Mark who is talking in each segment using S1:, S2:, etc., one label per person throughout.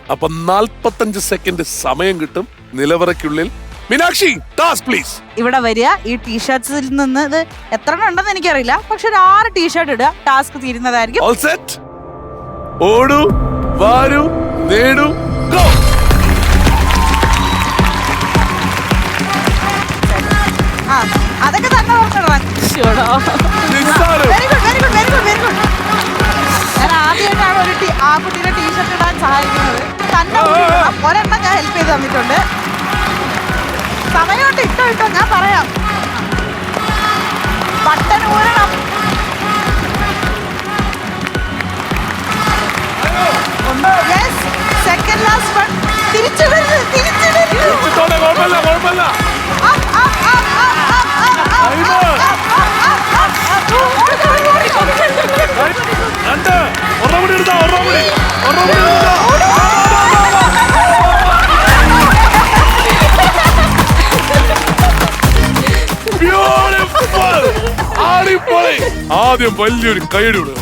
S1: അപ്പൊ 45 സെക്കൻഡ് സമയം കിട്ടും. നിലവറയ്ക്കുള്ളിൽ മീനാക്ഷി ടാസ്ക് പ്ലീസ്.
S2: ഇവിടെ വരിക, ഈ ടീഷർട്സിൽ നിന്ന് ഇത് എത്ര ഉണ്ടെന്ന് എനിക്കറിയില്ല, പക്ഷെ ഒരു 6 ടീഷർട്ട് ഇടുക, ടാസ്ക് തീരുന്നതായിരിക്കും.
S1: ഓൾ സെറ്റ്, ഓടൂ വാരൂ നേടൂ ഗോ.
S2: ആ അതൊക്കെ തന്നെ ഓർക്കണം.
S1: നിസ്സാരം.
S2: Very good very good very good very good. ഞാൻ ആദ്യമായിട്ടാണ് ഒരു ആ കുട്ടിയുടെ ടീഷർട്ട് ഇടാൻ സഹായിക്കുന്നത്. തന്നെ ഒരെണ്ണം ഞാൻ ഹെൽപ്പ് ചെയ്ത് തന്നിട്ടുണ്ട്. സമയമുണ്ട്, ഇട്ടോ ഇട്ടോ, ഞാൻ പറയാം. ബട്ടൺ ഊരണം. Second last one. തിരിച്ചു വരുന്നു, തിരിച്ചു വരുന്നു.
S1: കുഴപ്പമില്ല കുഴപ്പമില്ല. രണ്ട് ഒരെണ്ണം കൂടി എടുത്താ, ഒരെണ്ണം കൂടി ബ്യൂട്ടിഫുൾ. അടിപൊളി. ആദ്യം വലിയൊരു കൈയടി കൊടുക്കണം.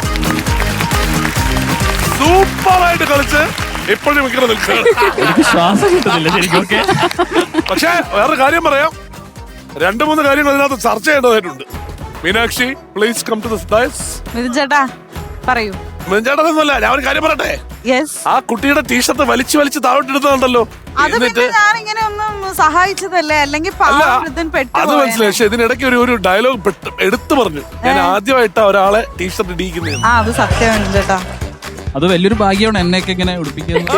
S1: സൂപ്പറായിട്ട് കളിച്ച് ഇപ്പോഴും മിക്കറ നിൽക്കുകയാണ്.
S3: ശ്വാസം കിട്ടുന്നില്ല ശരിക്കും.
S1: പക്ഷെ വേറൊരു കാര്യം പറയാം, 2-3 കാര്യങ്ങൾ അതിനകത്ത് ചർച്ച ചെയ്യേണ്ടതായിട്ടുണ്ട്. Meenakshi please come to this dais.
S2: Mithun ചേട്ടാ പറയൂ.
S1: മിഥുൻ ചേട്ടനൊന്നുമല്ല, ഞാൻ ഒരു കാര്യം പറയട്ടെ.
S2: യെസ്.
S1: ആ കുട്ടിയുടെ ടീഷർട്ട് വലിച്ചു താഴോട്ടെടുത്തതുണ്ടല്ലോ.
S2: അത് പിന്നെ ഞാൻ ഇങ്ങനെ ഒന്നും സഹായിച്ചതല്ലേ, അല്ലെങ്കിൽ
S1: അത് മനസ്സിലായി. പക്ഷെ ഇതിനിടയ്ക്ക് ഒരു ഡയലോഗ് എടുത്തു പറഞ്ഞു. ഞാൻ ആദ്യമായിട്ടാ ഒരാളെ ടീഷർട്ട് ഇടിക്കുന്നത്.
S2: ആ അത് സത്യമാണ് ചേട്ടാ.
S3: അത് വലിയൊരു ഭാഗ്യമാണ് എന്നെയൊക്കെ ഇങ്ങനെ ഉടുപ്പിക്കുന്നത്.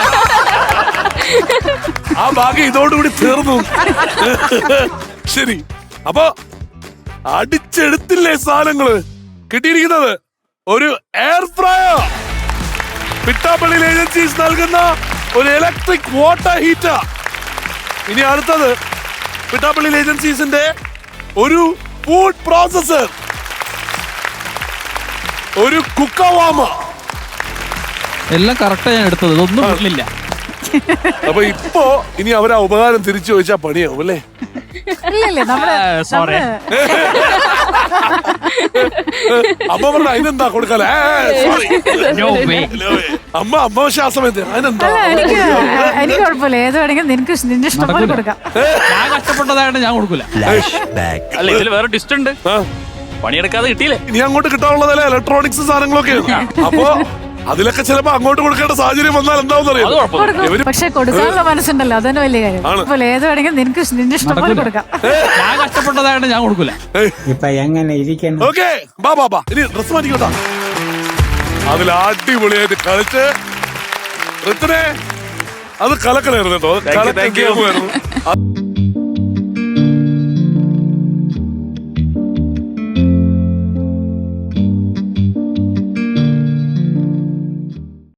S1: ആ ഭാഗ്യം ഇതോടുകൂടി തീർന്നു. ശരി, അപ്പൊ അടിച്ചെടുത്തില്ലേ സാധനങ്ങള്. കിട്ടിയിരിക്കുന്നത് ഒരു എയർ ഫ്രയർ, പിട്ടാപ്പള്ളി ഏജൻസീസ് നൽകുന്ന ഒരു ഇലക്ട്രിക് വാട്ടർ ഹീറ്റർ. ഇനി അടുത്തത് പിട്ടാപ്പള്ളി ഏജൻസീസിന്റെ ഒരു ഫുഡ് പ്രോസസർ, ഒരു കുക്കവാമ.
S3: എല്ലാം കറക്റ്റാ ഞാൻ എടുത്തത്, ഇതൊന്നും വീട്ടിലില്ല.
S1: അപ്പൊ ഇപ്പോ ഇനി അവരാ ഉപകാരം തിരിച്ചു ചോദിച്ചാ പണിയാവും അല്ലേ?
S3: സോറി.
S1: അമ്മ പറഞ്ഞ അതിനെന്താ കൊടുക്കാലേ? അമ്മ ശ്വാസം അതിനെന്താ?
S4: എനിക്ക് കുഴപ്പമില്ല, ഏത് വേണമെങ്കിലും നിനക്ക് നിന്റെ ഇഷ്ടം പോലെ കൊടുക്കാം.
S3: ഞാൻ കഷ്ടപ്പെട്ടതായിട്ട് ഞാൻ കൊടുക്കൂല. അല്ല ഇതിൽ വേറെ ടിസ്റ്റ് ഉണ്ട്, പണിയെടുക്കാതെ കിട്ടിയില്ലേ.
S1: ഇനി അങ്ങോട്ട് കിട്ടാനുള്ളതല്ലേ ഇലക്ട്രോണിക്സ് സാധനങ്ങളൊക്കെയാണ്. അപ്പൊ അതിലൊക്കെ ചിലപ്പോ അങ്ങോട്ട് കൊടുക്കേണ്ട സാഹചര്യം വന്നാൽ എന്താണെന്ന് അറിയാം.
S4: പക്ഷെ കൊടുക്കാനുള്ള മനസ്സുണ്ടല്ലോ, അതന്നെ വലിയ കാര്യം. കുഴപ്പമില്ല, ഏത് വേണമെങ്കിലും നിനക്ക് നിന്റെ ഇഷ്ടം പോലെ കൊടുക്കാം.
S3: ഞാൻ കഷ്ടപ്പെട്ടതായിട്ട് ഞാൻ കൊടുക്കൂല.
S1: ഓക്കെ ബാ ഇനി ഡ്രസ് മാറ്റിക്കോട്ടാ. അതിൽ അടിപൊളിയായിട്ട് കളിച്ച് ഋത്തിനെ അത് കലക്കലായിരുന്നു കേട്ടോ.